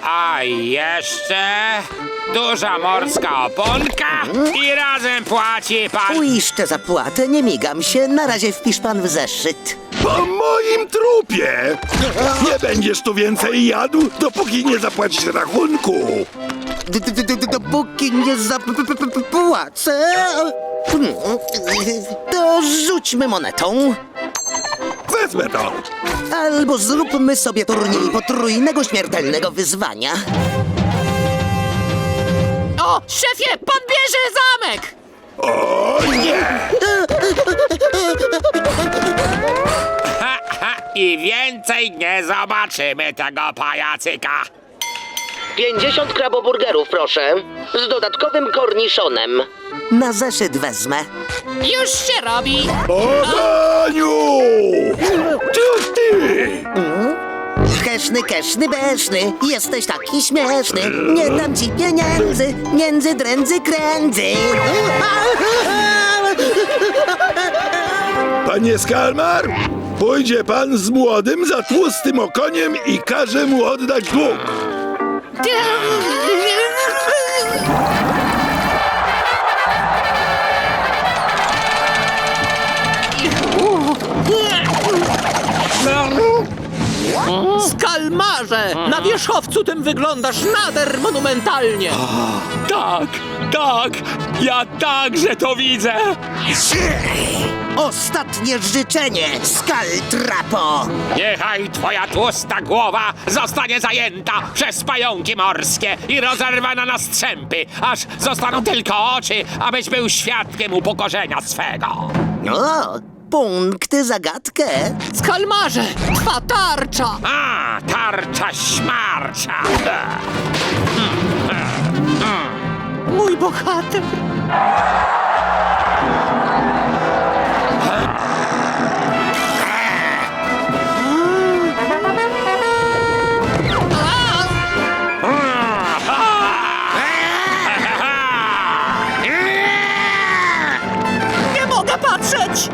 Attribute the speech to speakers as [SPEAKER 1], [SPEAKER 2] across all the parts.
[SPEAKER 1] A jeszcze duża morska oponka i razem płaci pan...
[SPEAKER 2] Uiszczę zapłatę, nie migam się. Na razie wpisz pan w zeszyt.
[SPEAKER 3] Po moim trupie! Nie będziesz tu więcej jadł, dopóki nie zapłacisz rachunku.
[SPEAKER 2] Dopóki nie zapłacę... To rzućmy monetą.
[SPEAKER 3] Wezmę to.
[SPEAKER 2] Albo zróbmy sobie turniej potrójnego śmiertelnego wyzwania.
[SPEAKER 4] O, szefie, pan bierze zamek!
[SPEAKER 3] O nie!
[SPEAKER 1] Ha, ha, i więcej nie zobaczymy tego pajacyka.
[SPEAKER 2] 50 kraboburgerów, proszę. Z dodatkowym korniszonem. Na zeszyt wezmę.
[SPEAKER 4] Już się robi!
[SPEAKER 3] O, Haniu! Ty!
[SPEAKER 2] Keszny, beszny, jesteś taki śmieszny. Nie dam ci pieniędzy, między drędzy krędzy.
[SPEAKER 3] Panie Skalmar, pójdzie pan z młodym za tłustym okoniem i każe mu oddać dług.
[SPEAKER 4] Skalmarze! Na wierzchowcu tym wyglądasz nader monumentalnie!
[SPEAKER 1] Tak, tak, ja także to widzę.
[SPEAKER 2] Ostatnie życzenie, Skaltrapo.
[SPEAKER 1] Niechaj twoja tłusta głowa zostanie zajęta przez pająki morskie i rozerwana na strzępy, aż zostaną tylko oczy, abyś był świadkiem upokorzenia swego.
[SPEAKER 2] O, punkty zagadkę.
[SPEAKER 4] Skalmarze! Twa tarcza!
[SPEAKER 1] A, tarcza śmarcza.
[SPEAKER 4] Mój bohater! Nie mogę patrzeć!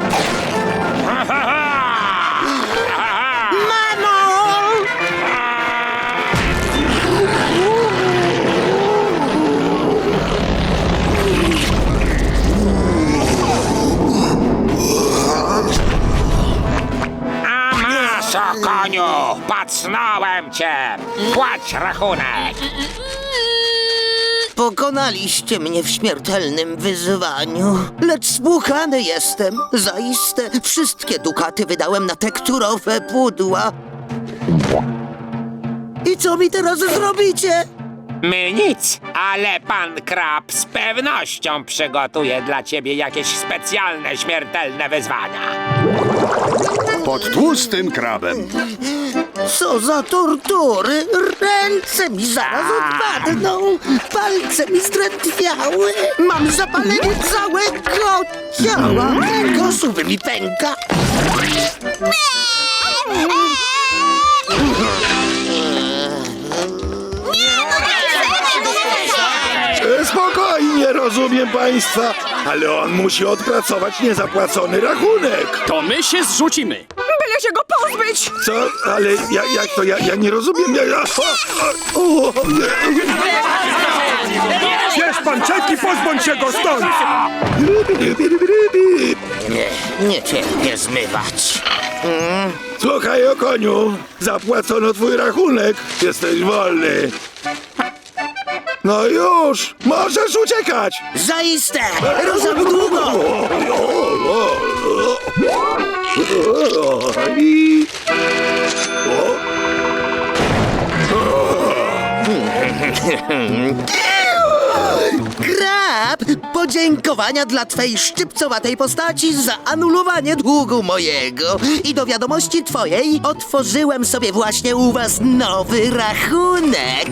[SPEAKER 1] A masz, o koniu, pacnąłem cię. Płać rachunek.
[SPEAKER 2] Pokonaliście mnie w śmiertelnym wyzwaniu, lecz spłukany jestem. Zaiste wszystkie dukaty wydałem na tekturowe pudła. I co mi teraz zrobicie?
[SPEAKER 1] My nic, ale pan Krab z pewnością przygotuje dla ciebie jakieś specjalne, śmiertelne wyzwania.
[SPEAKER 5] Pod tłustym krabem.
[SPEAKER 2] Co za tortury! Ręce mi zaraz odpadną, palce mi zdrętwiały, mam zapalenie całego ciała, kręgosłup mi pęka.
[SPEAKER 3] Spokojnie, rozumiem państwa, ale on musi odpracować niezapłacony rachunek.
[SPEAKER 6] To my się zrzucimy.
[SPEAKER 4] Byle się go pozbyć!
[SPEAKER 3] Co? Ale jak to? Ja nie rozumiem.
[SPEAKER 6] Bierz pan czeki, pozbądź się go stąd!
[SPEAKER 2] Nie cierpię zmywać.
[SPEAKER 3] Słuchaj, o koniu, zapłacono twój rachunek. Jesteś wolny. No już, możesz uciekać.
[SPEAKER 2] Zaiste! Rozam długo!
[SPEAKER 3] I...
[SPEAKER 2] Krab! Podziękowania dla twej szczypcowatej postaci za anulowanie długu mojego. I do wiadomości twojej otworzyłem sobie właśnie u was nowy rachunek.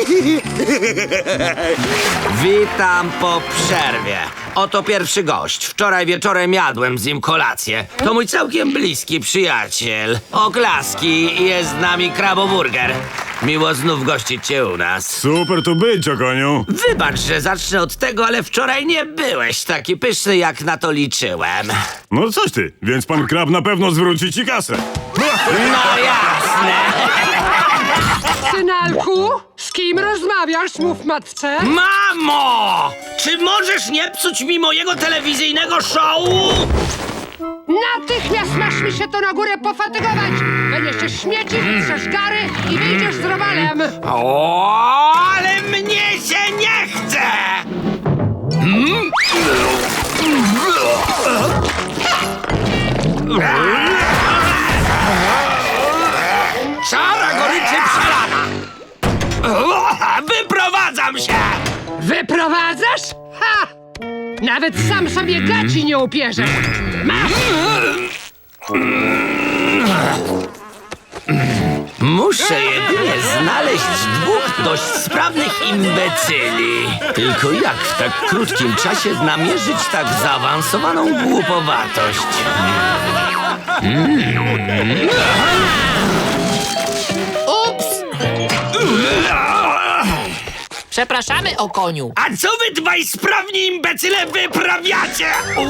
[SPEAKER 7] Witam po przerwie. Oto pierwszy gość. Wczoraj wieczorem jadłem z nim kolację. To mój całkiem bliski przyjaciel. Oklaski, jest z nami kraboburger. Miło znów gościć cię u nas.
[SPEAKER 8] Super tu być, okoniu.
[SPEAKER 7] Wybacz, że zacznę od tego, ale wczoraj nie byłeś taki pyszny, jak na to liczyłem.
[SPEAKER 8] No coś ty, więc pan Krab na pewno zwróci ci kasę.
[SPEAKER 7] No jasne.
[SPEAKER 9] Synalku, z kim rozmawiasz? Mów matce.
[SPEAKER 7] Mamo! Czy możesz nie psuć mi mojego telewizyjnego show?
[SPEAKER 9] Natychmiast masz mi się to na górę pofatygować. Będziesz śmieci, wytrzesz gary i wyjdziesz z Robalem.
[SPEAKER 7] O, ale mnie się nie chce! Czara goryczy przelana! Wyprowadzam się!
[SPEAKER 9] Wyprowadzasz? Ha! Nawet sam sobie gaci nie upierzesz. Masz!
[SPEAKER 7] Muszę jedynie znaleźć dwóch dość sprawnych imbecyli. Tylko jak w tak krótkim czasie namierzyć tak zaawansowaną głupowatość?
[SPEAKER 10] Ups! Przepraszamy, o koniu.
[SPEAKER 7] A co wy dwaj sprawni imbecyle wyprawiacie?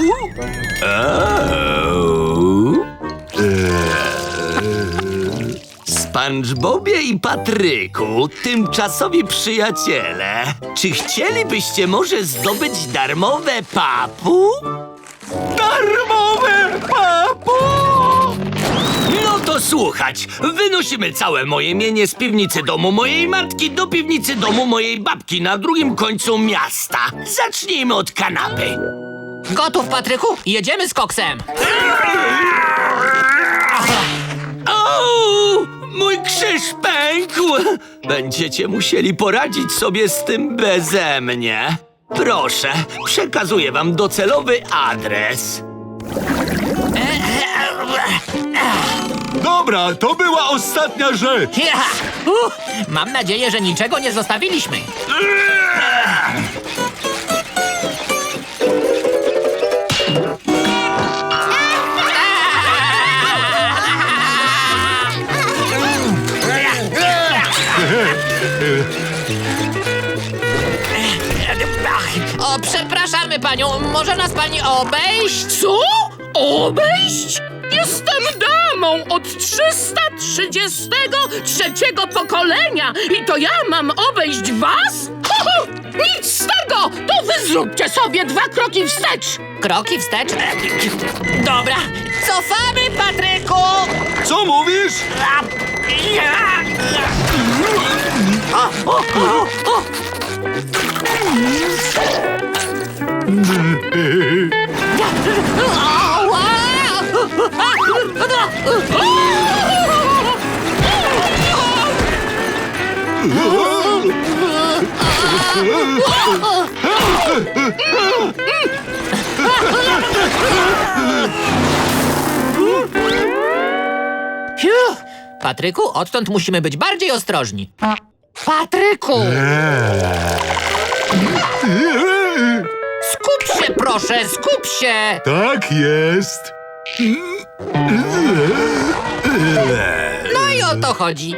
[SPEAKER 7] SpongeBobie i Patryku, tymczasowi przyjaciele, czy chcielibyście może zdobyć darmowe papu? Darmowe papu! No to słuchać, wynosimy całe moje mienie z piwnicy domu mojej matki do piwnicy domu mojej babki na drugim końcu miasta. Zacznijmy od kanapy.
[SPEAKER 10] Gotów, Patryku? Jedziemy z koksem.
[SPEAKER 7] O, mój krzyż pękł! Będziecie musieli poradzić sobie z tym beze mnie. Proszę, przekazuję wam docelowy adres.
[SPEAKER 8] Dobra, to była ostatnia rzecz.
[SPEAKER 10] Ja! Mam nadzieję, że niczego nie zostawiliśmy. O, przepraszamy panią, może nas pani obejść?
[SPEAKER 9] Co? Obejść? Jestem damą od 333 pokolenia i to ja mam obejść was? Ho, ho! Nic z tego! To wy zróbcie sobie 2 kroki wstecz!
[SPEAKER 10] Kroki wstecz? Dobra, cofamy, Patryku!
[SPEAKER 8] Co mówisz?
[SPEAKER 10] Fiu! Patryku, odtąd musimy być bardziej ostrożni. Patryku! Skup się, proszę, skup się!
[SPEAKER 8] Tak jest.
[SPEAKER 10] No i o to chodzi.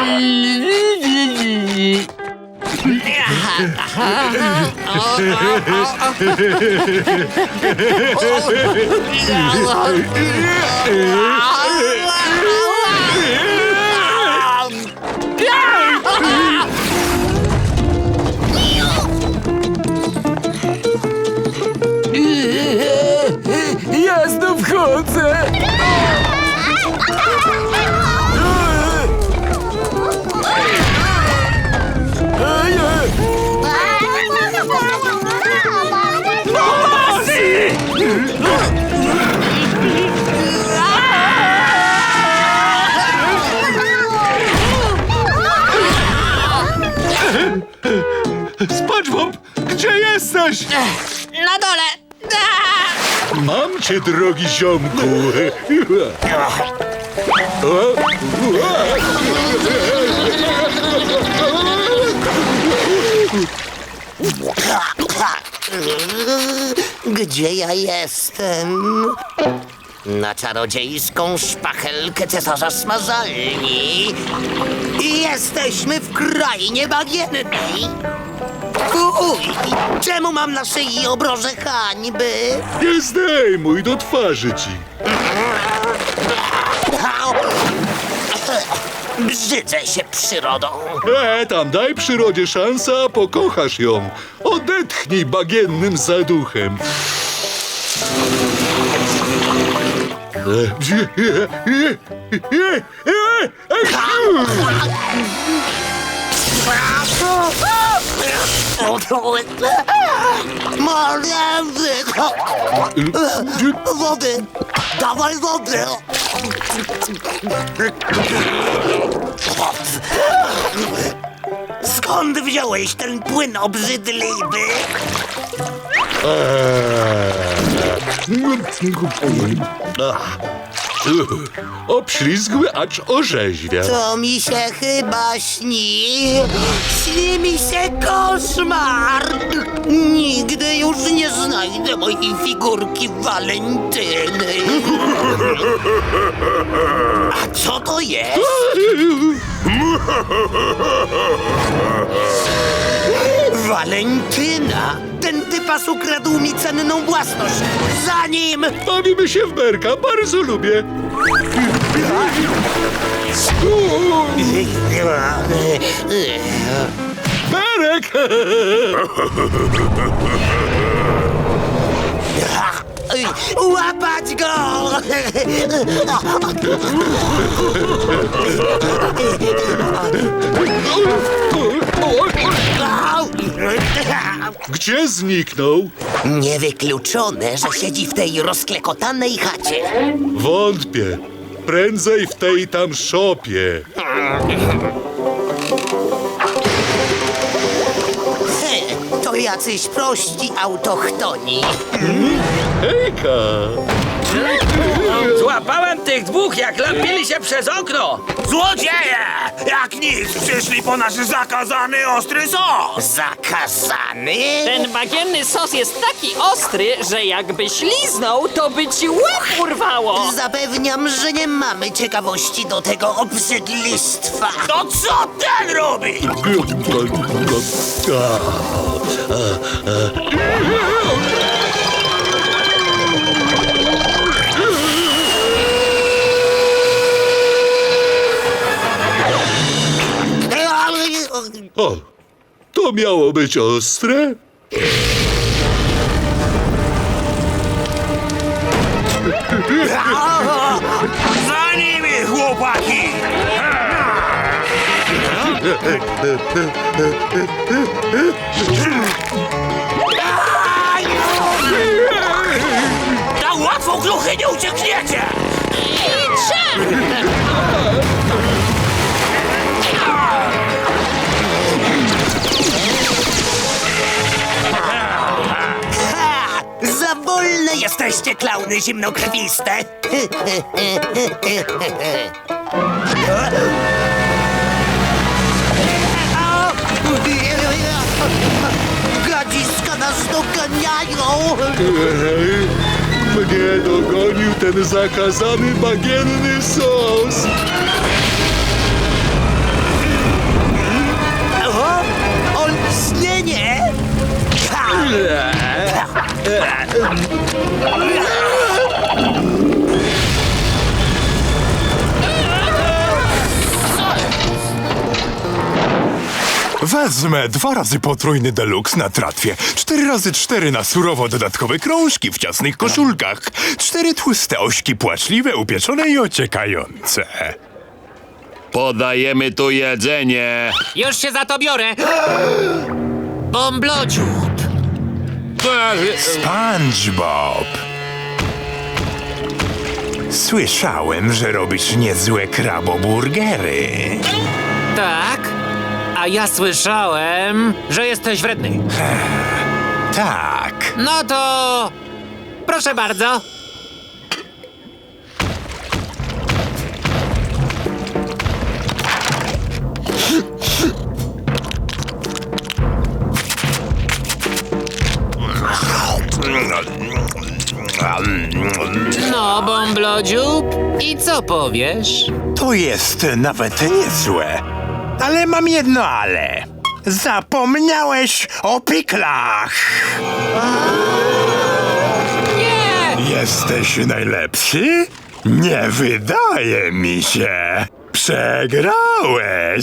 [SPEAKER 4] Ja znów chodzę!
[SPEAKER 8] SpongeBob, gdzie jesteś?
[SPEAKER 10] Na dole!
[SPEAKER 8] Mam cię, drogi ziomku.
[SPEAKER 2] Gdzie ja jestem? Na czarodziejską szpachelkę cesarza smażalni. I jesteśmy w krainie bagiennej. Uj, czemu mam na szyi obroże hańby?
[SPEAKER 8] Nie zdejmuj do twarzy ci.
[SPEAKER 2] Brzydzę się przyrodą.
[SPEAKER 8] Tam daj przyrodzie szansę, a pokochasz ją. Odetchnij bagiennym zaduchem.
[SPEAKER 2] Wody! Dawaj wody! Skąd wziąłeś ten płyn obrzydliwy?
[SPEAKER 8] Obślizgły, acz orzeźwia.
[SPEAKER 2] To mi się chyba śni. Śni mi się koszmar. Nigdy już nie znajdę mojej figurki Walentyny. A co to jest? Walentyna! Ten typas ukradł mi cenną własność. Za nim!
[SPEAKER 8] Bawimy się w berka, bardzo lubię. Berek!
[SPEAKER 2] Łapać go!
[SPEAKER 8] Gdzie zniknął?
[SPEAKER 2] Niewykluczone, że siedzi w tej rozklekotanej chacie.
[SPEAKER 8] Wątpię. Prędzej w tej tam szopie.
[SPEAKER 2] To jacyś prości autochtoni.
[SPEAKER 8] Hejka!
[SPEAKER 7] Złapałem tych dwóch, jak lapili się przez okno!
[SPEAKER 3] Złodzieje! Jak nic, przyszli po nasz zakazany ostry sos!
[SPEAKER 2] Zakazany?
[SPEAKER 10] Ten bagienny sos jest taki ostry, że jakbyś liznął, to by ci łeb urwało.
[SPEAKER 2] Zapewniam, że nie mamy ciekawości do tego obrzydlistwa.
[SPEAKER 3] To co ten robi?
[SPEAKER 8] O, to miało być ostre?
[SPEAKER 3] Za nimi, chłopaki! Na łatwą kluchy nie uciekniecie!
[SPEAKER 2] Ha! Za wolne jesteście, klauny zimnokrwiste. Gadziska nas doganiają.
[SPEAKER 8] Mnie dogonił ten zakazany bagienny sos.
[SPEAKER 2] O, olśnienie!
[SPEAKER 6] Wezmę 2 razy potrójny deluxe na tratwie, 4 razy 4 na surowo dodatkowe krążki w ciasnych koszulkach, 4 tłuste ośki płaczliwe, upieczone i ociekające.
[SPEAKER 1] Podajemy tu jedzenie.
[SPEAKER 10] Już się za to biorę. Bąblodziób.
[SPEAKER 6] SpongeBob. Słyszałem, że robisz niezłe kraboburgery.
[SPEAKER 10] Tak? A ja słyszałem, że jesteś wredny.
[SPEAKER 6] Tak.
[SPEAKER 10] No to... proszę bardzo. No, bąblodziób. I co powiesz?
[SPEAKER 6] To jest nawet niezłe. Ale mam jedno ale. Zapomniałeś o piklach.
[SPEAKER 10] Nie!
[SPEAKER 6] Jesteś najlepszy? Nie wydaje mi się. Przegrałeś!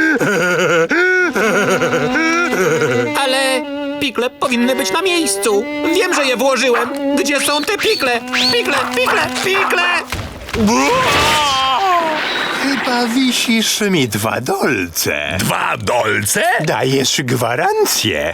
[SPEAKER 4] Ale pikle powinny być na miejscu. Wiem, że je włożyłem. Gdzie są te pikle? Pikle, pikle, pikle!
[SPEAKER 6] Chyba wisisz mi 2 dolce.
[SPEAKER 3] 2 dolce?
[SPEAKER 6] Dajesz gwarancję.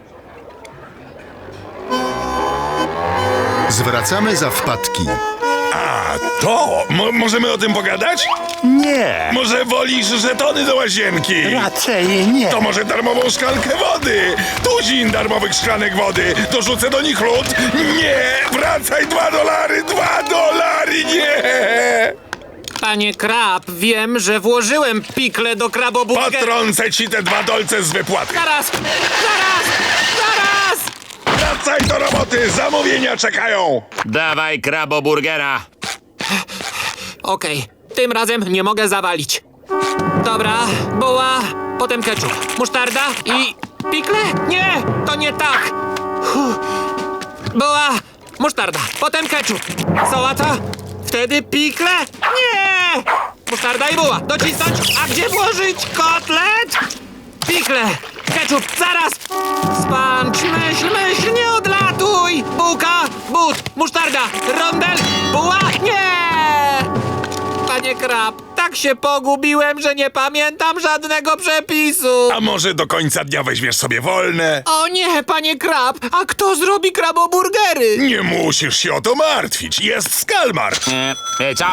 [SPEAKER 5] Zwracamy za wpadki.
[SPEAKER 3] A to? Możemy o tym pogadać?
[SPEAKER 6] Nie,
[SPEAKER 3] Może wolisz żetony do łazienki?
[SPEAKER 6] raczej nie.
[SPEAKER 3] To może darmową szklankę wody? Tuzin darmowych szklanek wody. Dorzucę do nich lód? Nie! Wracaj, $2! $2! Nie!
[SPEAKER 4] Panie Krab, wiem, że włożyłem pikle do kraboburgera.
[SPEAKER 3] Potrącę ci te 2 dolce z wypłaty.
[SPEAKER 4] Zaraz! Zaraz! Zaraz!
[SPEAKER 3] Wracaj do roboty! Zamówienia czekają!
[SPEAKER 1] Dawaj kraboburgera.
[SPEAKER 4] Okej, tym razem nie mogę zawalić. Dobra, buła, potem ketchup, musztarda i pikle? Nie, to nie tak. Buła, musztarda, potem ketchup, sałata, wtedy pikle? Nie! Musztarda i buła, docisnąć, a gdzie włożyć kotlet? Pikle, ketchup, zaraz! Spancz, myśl, nie odlatuj! Bułka, but, musztarda, rondel, buła, nie! Panie Krab, tak się pogubiłem, że nie pamiętam żadnego przepisu.
[SPEAKER 3] A może do końca dnia weźmiesz sobie wolne?
[SPEAKER 4] O nie, panie Krab, a kto zrobi kraboburgery?
[SPEAKER 3] Nie musisz się o to martwić. Jest Skalmar.
[SPEAKER 1] Co?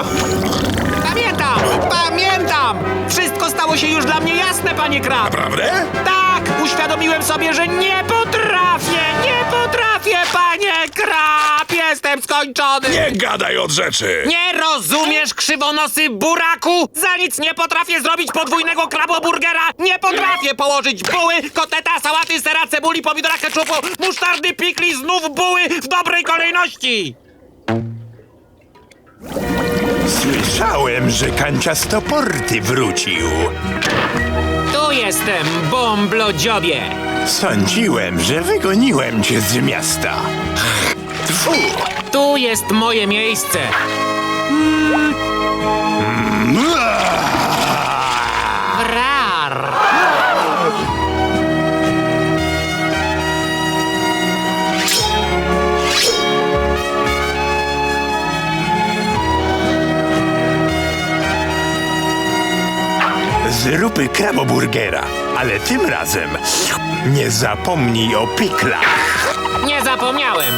[SPEAKER 4] Pamiętam! Wszystko stało się już dla mnie jasne, panie Krab.
[SPEAKER 3] Prawda?
[SPEAKER 4] Tak, uświadomiłem sobie, że nie potrafię, panie Krab! Jestem skończony!
[SPEAKER 3] Nie gadaj od rzeczy.
[SPEAKER 4] Nie rozumiesz, krzywonosy buraku? Za nic nie potrafię zrobić podwójnego kraboburgera! Nie potrafię położyć buły, kotleta, sałaty, sera, cebuli, pomidora, keczupu, musztardy, pikli, znów buły w dobrej kolejności!
[SPEAKER 6] Słyszałem, że kanciastoporty wrócił.
[SPEAKER 4] Tu jestem, bomblodziobie!
[SPEAKER 6] Sądziłem, że wygoniłem cię z miasta. Tfu!
[SPEAKER 4] Tu jest moje miejsce! Rar!
[SPEAKER 6] Zróbmy kraboburgera, ale tym razem nie zapomnij o piklach.
[SPEAKER 4] Nie zapomniałem!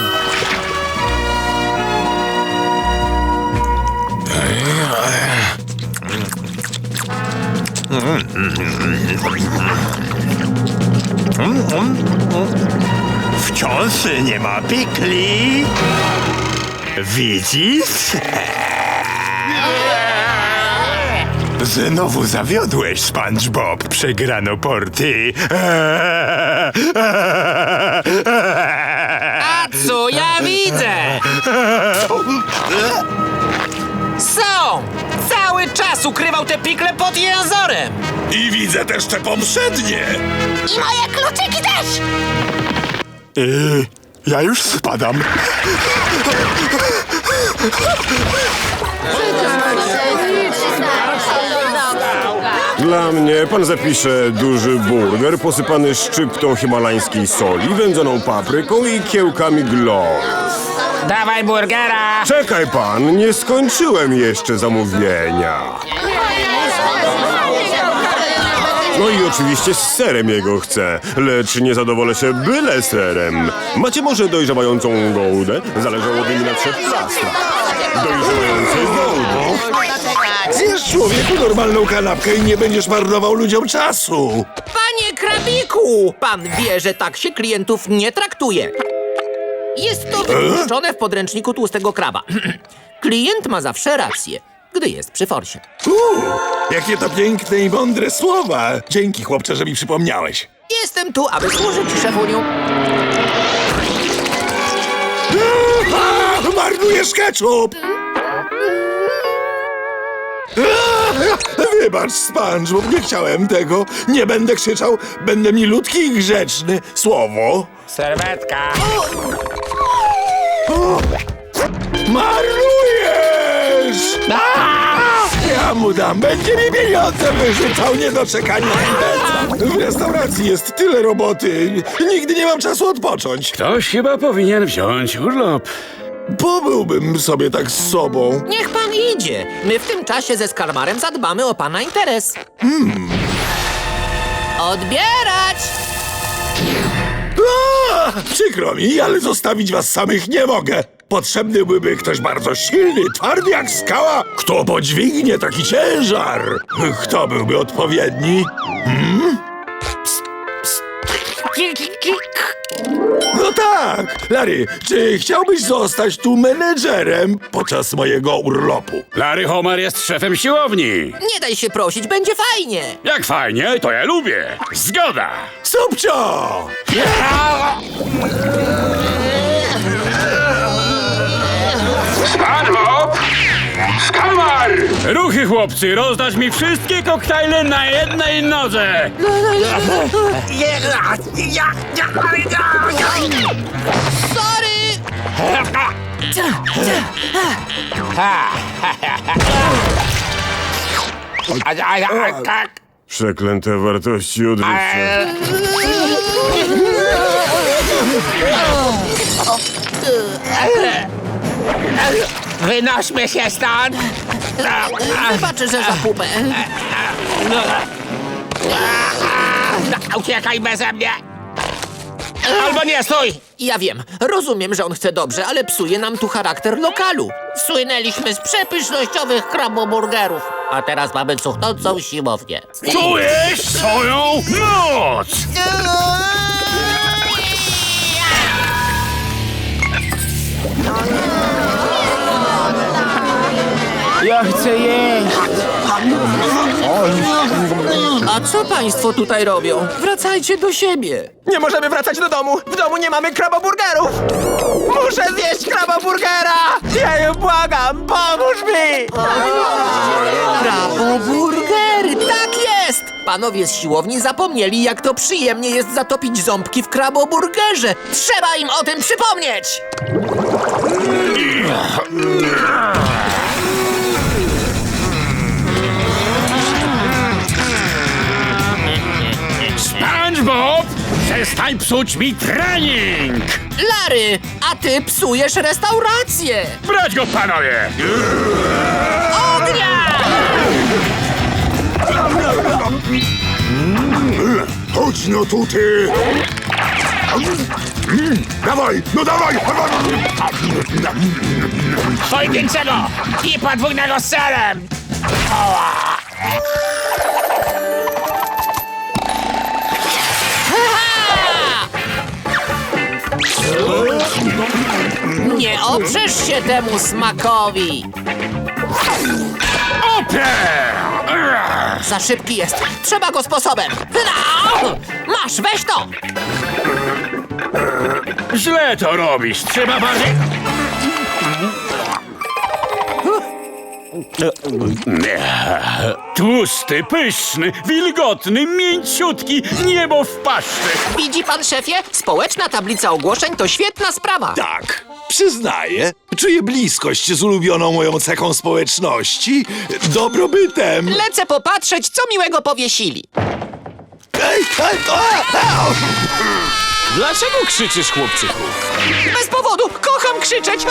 [SPEAKER 6] Wciąż nie ma pikli. Widzisz? Znowu zawiodłeś, SpongeBob. Przegrano porty.
[SPEAKER 4] A co ja widzę? Są! Cały czas ukrywał te pikle pod jęzorem!
[SPEAKER 3] I widzę też te poprzednie.
[SPEAKER 9] I moje kluczyki też!
[SPEAKER 6] Ja już spadam.
[SPEAKER 11] Dla mnie pan zapisze duży burger posypany szczyptą himalańskiej soli, wędzoną papryką i kiełkami glow.
[SPEAKER 7] Dawaj burgera!
[SPEAKER 11] Czekaj pan, nie skończyłem jeszcze zamówienia. No i oczywiście z serem jego chcę, lecz nie zadowolę się byle serem. Macie może dojrzewającą gołdę? Zależałoby mi na trzeplastra. Dojrzewającej gołdy.
[SPEAKER 3] Zjesz, człowieku, normalną kanapkę i nie będziesz marnował ludziom czasu.
[SPEAKER 4] Panie Krabiku! Pan wie, że tak się klientów nie traktuje. Jest to wypuszczone w podręczniku Tłustego Kraba. Klient ma zawsze rację, gdy jest przy forsie.
[SPEAKER 3] Jakie to piękne i mądre słowa. Dzięki, chłopcze, że mi przypomniałeś.
[SPEAKER 4] Jestem tu, aby służyć szefuniu.
[SPEAKER 3] Marnujesz ketchup! Wybacz, SpongeBob, nie chciałem tego. Nie będę krzyczał, będę milutki i grzeczny. Słowo.
[SPEAKER 1] Serwetka.
[SPEAKER 3] Marnujesz! Ja mu dam, będzie mi pieniądze wyrzucał, niedoczekanie. W restauracji jest tyle roboty, nigdy nie mam czasu odpocząć.
[SPEAKER 12] Ktoś chyba powinien wziąć urlop.
[SPEAKER 3] Pobyłbym sobie tak z sobą.
[SPEAKER 10] Niech pan idzie. My w tym czasie ze Skarmarem zadbamy o pana interes. Odbierać!
[SPEAKER 3] Przykro mi, ale zostawić was samych nie mogę. Potrzebny byłby ktoś bardzo silny, twardy jak skała. Kto podźwignie taki ciężar? Kto byłby odpowiedni? No tak, Larry, czy chciałbyś zostać tu menedżerem podczas mojego urlopu?
[SPEAKER 12] Larry Homer jest szefem siłowni.
[SPEAKER 10] Nie daj się prosić, będzie fajnie.
[SPEAKER 12] Jak fajnie, to ja lubię. Zgoda.
[SPEAKER 3] Subcio!
[SPEAKER 12] SpongeBob! Skalmar! Ruchy, chłopcy, rozdać mi wszystkie koktajle na jednej nodze.
[SPEAKER 10] Sorry!
[SPEAKER 11] Przeklęte wartości odżywcze.
[SPEAKER 1] Wynośmy się stąd!
[SPEAKER 10] Wybacz, że za pupę.
[SPEAKER 1] Uciekaj beze mnie! Albo nie, stój!
[SPEAKER 10] Ja wiem, rozumiem, że on chce dobrze, ale psuje nam tu charakter lokalu. Słynęliśmy z przepysznościowych kraboburgerów, a teraz mamy cuchnącą siłownię.
[SPEAKER 12] Czujesz swoją moc!
[SPEAKER 1] Ja chcę jeść!
[SPEAKER 10] A co państwo tutaj robią? Wracajcie do siebie.
[SPEAKER 4] Nie możemy wracać do domu. W domu nie mamy kraboburgerów. Muszę zjeść kraboburgera. Jeju, błagam, pomóż mi.
[SPEAKER 10] Kraboburgery, tak jest! Panowie z siłowni zapomnieli, jak to przyjemnie jest zatopić ząbki w kraboburgerze. Trzeba im o tym przypomnieć!
[SPEAKER 12] SpongeBob! Przestań psuć mi trening!
[SPEAKER 10] Larry, a ty psujesz restaurację!
[SPEAKER 12] Brać go, panowie!
[SPEAKER 10] Ognia!
[SPEAKER 3] Chodź no tu, ty! Dawaj, no dawaj!
[SPEAKER 1] Pojedynczego i podwójnego z serem!
[SPEAKER 10] Nie oprzesz się temu smakowi! Za szybki jest. Trzeba go sposobem. Masz, weź to!
[SPEAKER 12] Źle to robisz, trzeba bardziej... Tłusty, pyszny, wilgotny, mięciutki, niebo w paszczy.
[SPEAKER 10] Widzi pan, szefie? Społeczna tablica ogłoszeń to świetna sprawa.
[SPEAKER 3] Tak, przyznaję. Czuję bliskość z ulubioną moją cechą społeczności, dobrobytem.
[SPEAKER 10] Lecę popatrzeć, co miłego powiesili.
[SPEAKER 4] Dlaczego krzyczysz, chłopczyku?
[SPEAKER 10] Bez powodu, kocham krzyczeć.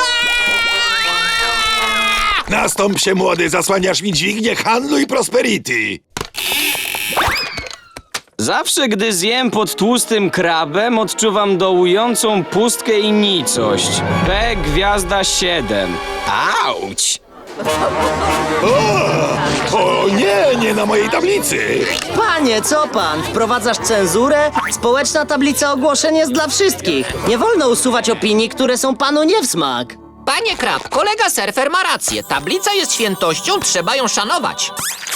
[SPEAKER 3] Nastąp się, młody, zasłaniasz mi dźwignię handlu i prosperity.
[SPEAKER 13] Zawsze, gdy zjem pod tłustym krabem, odczuwam dołującą pustkę i nicość. P gwiazda 7. Auć!
[SPEAKER 3] O nie, nie na mojej tablicy.
[SPEAKER 14] Panie, co pan? Wprowadzasz cenzurę? Społeczna tablica ogłoszeń jest dla wszystkich. Nie wolno usuwać opinii, które są panu nie w smak.
[SPEAKER 10] Panie Krab, kolega surfer ma rację. Tablica jest świętością, trzeba ją szanować.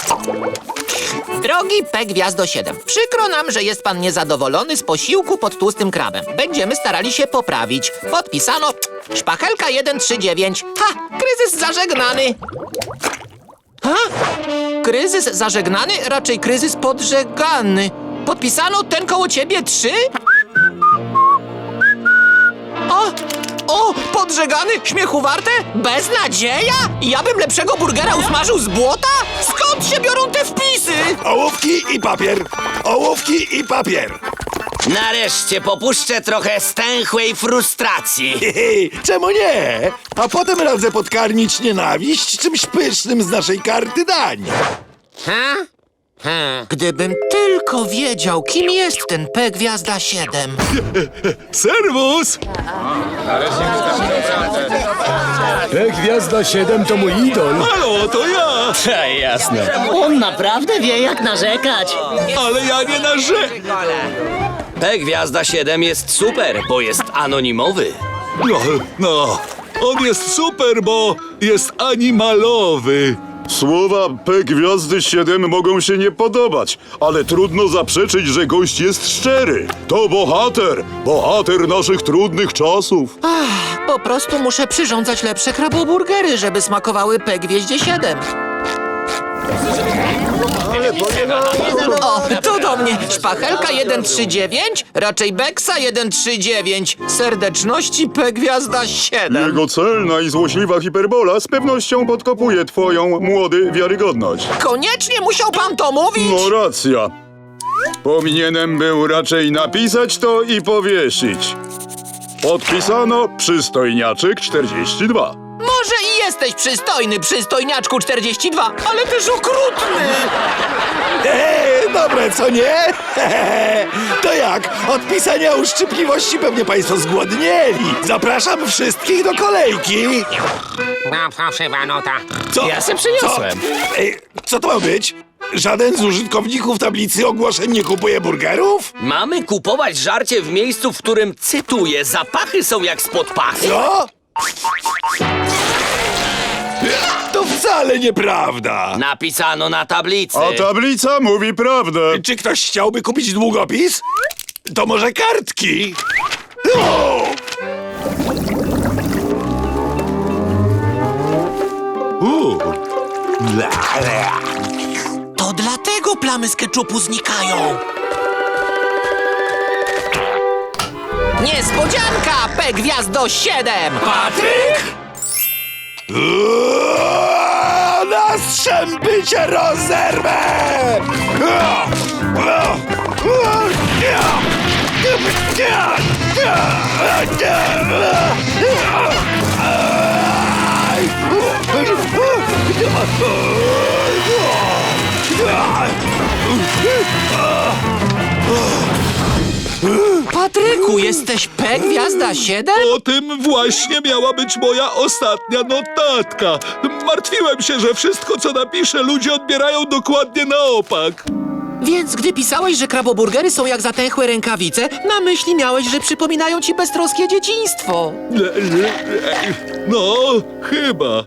[SPEAKER 10] Drogi P Gwiazdo 7, przykro nam, że jest pan niezadowolony z posiłku pod tłustym krabem. Będziemy starali się poprawić. Podpisano Szpachelka 139. Ha! Kryzys zażegnany. Ha? Kryzys zażegnany? Raczej kryzys podżegany. Podpisano ten koło ciebie 3? O! O, podżegany, śmiechu warte? Beznadzieja? Ja bym lepszego burgera usmażył z błota? Skąd się biorą te wpisy?
[SPEAKER 3] Ołówki i papier! Ołówki i papier!
[SPEAKER 7] Nareszcie popuszczę trochę stęchłej frustracji.
[SPEAKER 3] Czemu nie? A potem radzę podkarmić nienawiść czymś pysznym z naszej karty dań.
[SPEAKER 10] Gdybym tylko wiedział, kim jest ten P Gwiazda 7.
[SPEAKER 8] Serwus!
[SPEAKER 12] Gwiazda 7 to mój idol.
[SPEAKER 8] Halo, to ja!
[SPEAKER 12] Jasne.
[SPEAKER 14] On naprawdę wie, jak narzekać.
[SPEAKER 8] Ale ja nie narzekam!
[SPEAKER 13] P-Gwiazda 7 jest super, bo jest anonimowy.
[SPEAKER 8] No, on jest super, bo jest animalowy.
[SPEAKER 5] Słowa P Gwiazdy 7 mogą się nie podobać, ale trudno zaprzeczyć, że gość jest szczery. To bohater! Bohater naszych trudnych czasów.
[SPEAKER 10] Po prostu muszę przyrządzać lepsze kraboburgery, żeby smakowały P Gwieździe 7. O, to do mnie. Szpachelka 139, raczej Beksa 139. Serdeczności P Gwiazda 7.
[SPEAKER 5] Jego celna i złośliwa hiperbola z pewnością podkopuje twoją, młody, wiarygodność.
[SPEAKER 10] Koniecznie musiał pan to mówić?
[SPEAKER 5] No racja. Powinienem był raczej napisać to i powiesić. Podpisano Przystojniaczyk 42.
[SPEAKER 10] Może i jesteś przystojny, przystojniaczku 42, ale też okrutny.
[SPEAKER 3] Dobre, co nie? To jak? Od pisania uszczypliwości pewnie państwo zgłodnieli. Zapraszam wszystkich do kolejki.
[SPEAKER 1] No, fałszywa nota.
[SPEAKER 3] Co?
[SPEAKER 13] Ja se przyniosłem.
[SPEAKER 3] Co to ma być? Żaden z użytkowników tablicy ogłoszeń nie kupuje burgerów?
[SPEAKER 13] Mamy kupować żarcie w miejscu, w którym, cytuję, zapachy są jak spod pachy.
[SPEAKER 3] Co? To wcale nieprawda.
[SPEAKER 13] Napisano na tablicy.
[SPEAKER 5] A tablica mówi prawdę.
[SPEAKER 3] Czy ktoś chciałby kupić długopis? To może kartki? O!
[SPEAKER 10] To dlatego plamy z keczupu znikają. Niespodzianka! P Gwiazdo 7!
[SPEAKER 3] Patryk? Na strzępy cię rozerwę!
[SPEAKER 10] Patryku, jesteś P Gwiazda 7?
[SPEAKER 8] O tym właśnie miała być moja ostatnia notatka. Martwiłem się, że wszystko, co napiszę, ludzie odbierają dokładnie na opak.
[SPEAKER 10] Więc gdy pisałeś, że kraboburgery są jak zatęchłe rękawice, na myśli miałeś, że przypominają ci beztroskie dzieciństwo.
[SPEAKER 8] No, chyba.